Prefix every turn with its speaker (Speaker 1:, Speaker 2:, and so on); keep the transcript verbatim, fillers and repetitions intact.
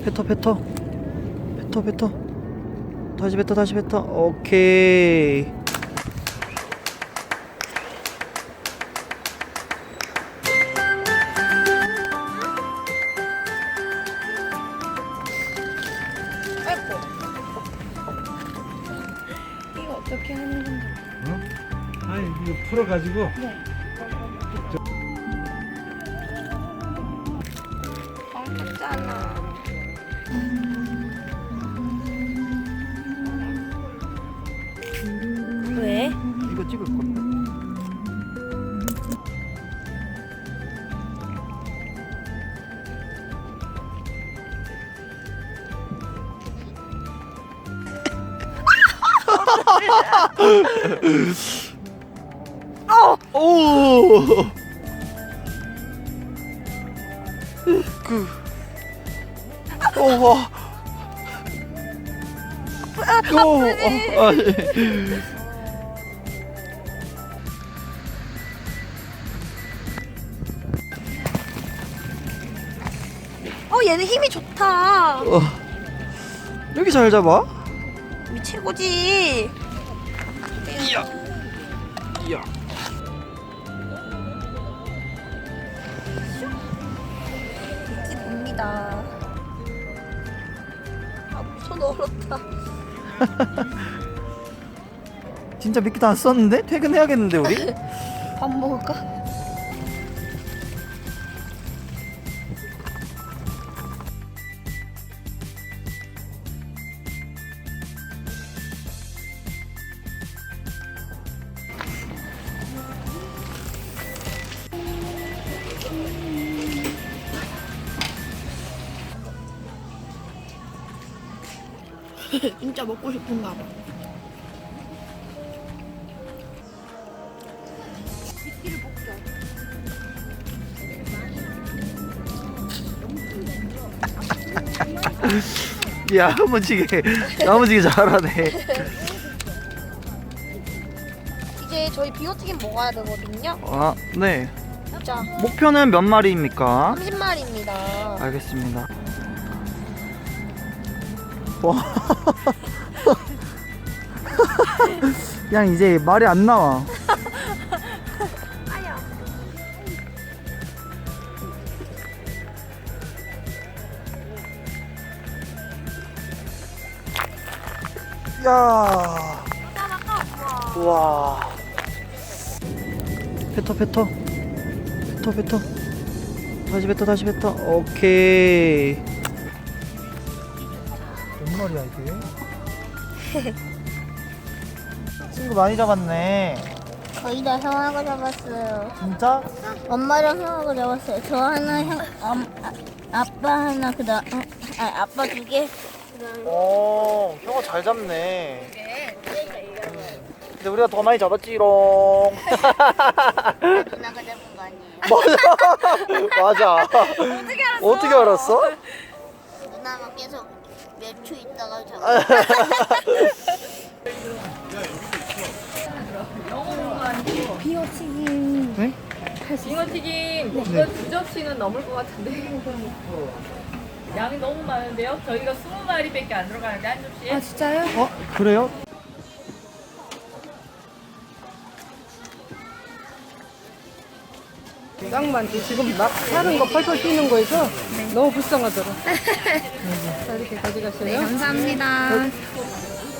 Speaker 1: 뱉어 뱉어 뱉어 뱉어 다시 뱉어 다시 뱉어. 오케이.
Speaker 2: 아이고. 이거 어떻게 하는 건지.
Speaker 3: 어? 아니 이거 풀어가지고
Speaker 2: 네. 엉켰잖아. 왜?
Speaker 1: 이거 찍을 건데.
Speaker 2: 어!
Speaker 1: 오! 그. 오, 와. 오, 어, 아, 예.
Speaker 2: 어, 얘는 힘이 좋다.
Speaker 1: 어. 여기 잘 잡아?
Speaker 2: 이 최고지.
Speaker 1: 이야. 이야.
Speaker 2: 이게 봅니다. 아, 손 얼었다.
Speaker 1: 진짜 미끼도 안 썼는데? 퇴근해야겠는데 우리?
Speaker 2: 밥 먹을까? 진짜 먹고 싶은가 봐. 미끼를 먹자.
Speaker 1: 야, 야무지게 야무지게 잘하네.
Speaker 2: 이제 저희 비오튀김 먹어야 되거든요.
Speaker 1: 아, 네.
Speaker 2: 자,
Speaker 1: 목표는 몇 마리입니까?
Speaker 2: 삼십 마리입니다.
Speaker 1: 알겠습니다. 와. 그냥 이제 말이 안 나와.
Speaker 2: 아야.
Speaker 1: 야.
Speaker 2: 따라가.
Speaker 1: 와. 뱉어 뱉어 뱉어 뱉어 다시 뱉어 다시 뱉어. 오케이. 몇 마리야 이게? 친구 많이 잡았네.
Speaker 4: 거의 다 형아가 잡았어요.
Speaker 1: 진짜?
Speaker 4: 엄마랑 형아가 잡았어요. 저 하나, 형, 엄, 아, 아빠 하나, 그 다음, 어, 아, 아빠 두 개.
Speaker 1: 어, 형아 잘 잡네. 근데 우리가 더 많이 잡았지롱.
Speaker 4: 누나가 잡은 거 아니에요?
Speaker 1: 맞아. 맞아.
Speaker 2: 어떻게 알았어?
Speaker 1: 어떻게 알았어?
Speaker 4: 누나만 계속 몇 초 있다가 잡았어요.
Speaker 2: 비오튀김.
Speaker 1: 네?
Speaker 5: 잉어튀김 이거 두 접시는 넘을 것 같은데 양이 너무 많은데요? 저희가 스무 마리밖에 안 들어가는데 한 접시에
Speaker 2: 아, 진짜요?
Speaker 1: 어? 그래요?
Speaker 6: 딱 많지. 지금 막 사는 거 펄펄 뛰는 거에서 너무 불쌍하더라. 자, 이렇게 가져가세요.
Speaker 2: 감사합니다.